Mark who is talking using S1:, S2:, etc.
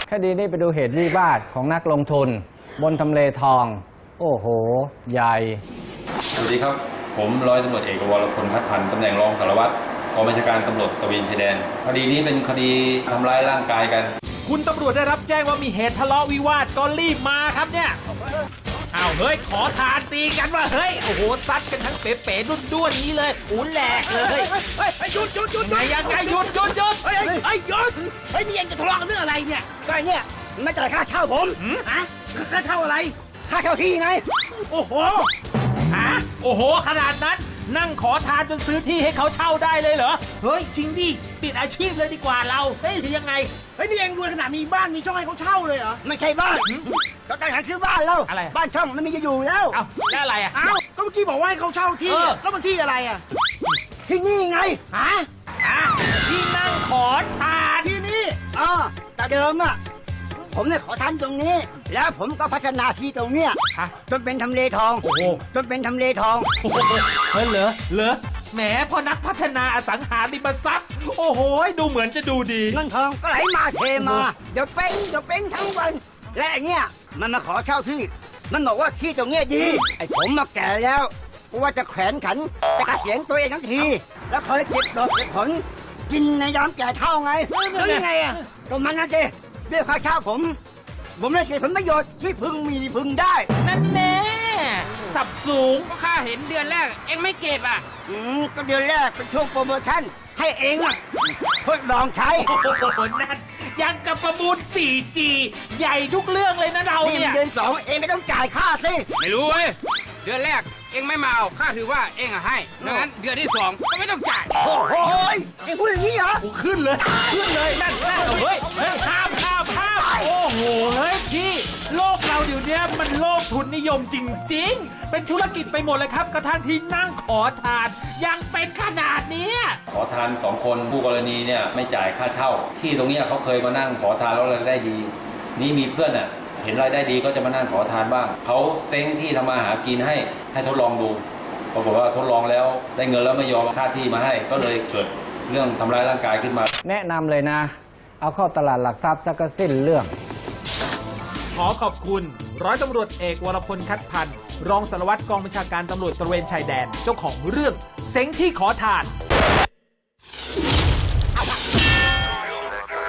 S1: คดีนี้ไปดูเหตุวิวาทของนักลงทุนบนทำเลทองโอ้โหใหญ่
S2: สวัสดีครับผมร้อยตำรวจเอกวรพล คัดพันธ์ตำแหน่งรองสารวัตรกองบัญชาการตำรวจตระเวนชายแดนคดีนี้เป็นคดีทำร้ายร่างกายกัน
S3: คุณตำรวจได้รับแจ้งว่ามีเหตุทะเลาะวิวาทก็รีบมาครับเนี่ยอ้าวเฮ้ยขอทานตีกันว่าเฮ้ยโอ้โหซัดกันทั้งเป๋ๆด้วนๆนี้เลยอูแหลกเลยหยุดไงยังไงหยุดหยุดนี่เองจะทะเลาะกันเรื่องอะไรเนี่ย
S4: ก็เนี่ยไม่จ่ายค่าเช่าผมฮะค่าเช่าอะไรค่าเช่าที่ไง
S3: โอ้โหฮะโอ้โหขนาดนั้นนั่งขอทานจนซื้อที่ให้เขาเช่าได้เลยเหรอเฮ้ยจริงดิปิดอาชีพเลยดีกว่าเราเฮ้ยยังไง
S4: เฮ้ยนี่เองรวยขนาดมีบ้านมีช่องให้เขาเช่าเลยเหรอไม่ใช่บ้านก็ตั้งใจซื้อบ้านแล้ว
S3: อะไร
S4: บ้านช่องมันมีจะอยู่แล้ว
S3: เอ้าแล้วอะไรอ่ะ
S4: เอ้าก็เมื่อกี้บอกว่าให้เขาเช่าที่แล้วมันที่อะไรอ่ะที่นี่ไงฮะ
S3: ที่นั่งขอทาน
S4: ที่นี่แต่เดิมอ่ะผมเนี่ยขอทานตรงนี้แล้วผมก็พัฒนาที่ตรงเนี้ยจนเป็นทำเลทอง
S3: โอ้โห
S4: จนเป็นทำเลทอง
S3: เฮ้ยเหรอแหมพอนักพัฒนาอสังหาริมทรัพย์โอ้โหดูเหมือนจะดูดี
S4: เงินทองก็ไหลมาเทมาเดี๋ยวเป็นทั้งวันและไอ้เนี้ยมันมาขอเช่าที่มันบอกว่าที่ตรงเนี้ยดีไอ้ผมมาแก่แล้วว่าจะแขวนขันจะเกษียณตัวเองทั้งทีแล้วเคยเก็บดอกเก็บผลกินในยามแก่เท่าไงแล้วยังไงอ่ะก็มันนั่นเองเรียกค่าเช่าผมได้เสียผลประโยชน์ที่พึงมีพึงได้
S3: นั่นแน่สับสูง
S5: ก็ค่าเห็นเดือนแรกเอ็งไม่เก็บอ่ะ
S4: ก็เดือนแรกเป็นช่วงโปรโมชั่นให้เองทดลองใช้
S3: โอ้โหนั่นยังกับประมูล 4G ใหญ่ทุกเรื่องเลยนะเราเนี่ย
S4: เดือน2เองไม่ต้องจ่ายค่าสิ
S5: ไม่รู้เว้ยเดือนแรกเอ็งไม่มาเอาค่าถือว่าเอ็งให้ดังนั้นเดือนที่2ก็ไม่ต้องจ่าย
S4: โอ้ยเอ็งพูดอย่างนี้เหรอ
S3: ขึ้นเลยนั่นเฮ้ยห้ามโอ้โหเฮ้ยพี่โลกเราเดี๋ยวนี้มันโลกทุนนิยมจริงๆเป็นธุรกิจไปหมดเลยครับกระทั่งที่นั่งขอทานยังเป็นขนาดนี้
S2: ขอทาน2คนผู้กรณีเนี่ยไม่จ่ายค่าเช่าที่ตรงนี้เขาเคยมานั่งขอทานแล้วรายได้ดีนี่มีเพื่อนเห็นรายได้ดีก็จะมานั่งขอทานบ้างเขาเซ้งที่ทำมาหากินให้ทดลองดูปรากฏว่าทดลองแล้วได้เงินแล้วไม่ยอมค่าที่มาให้ก็เลยเกิดเรื่องทำร้ายร่างกายขึ้นมา
S1: แนะนำเลยนะเอาเข้าตลาดหลักทรัพย์สักสิ้นเรื่อง
S3: ขอขอบคุณร้อยตำรวจเอกวรพล คัดพันธ์รองสารวัตรกองบัญชาการตำรวจตระเวนชายแดนเจ้าของเรื่องเซ้งที่ขอทาน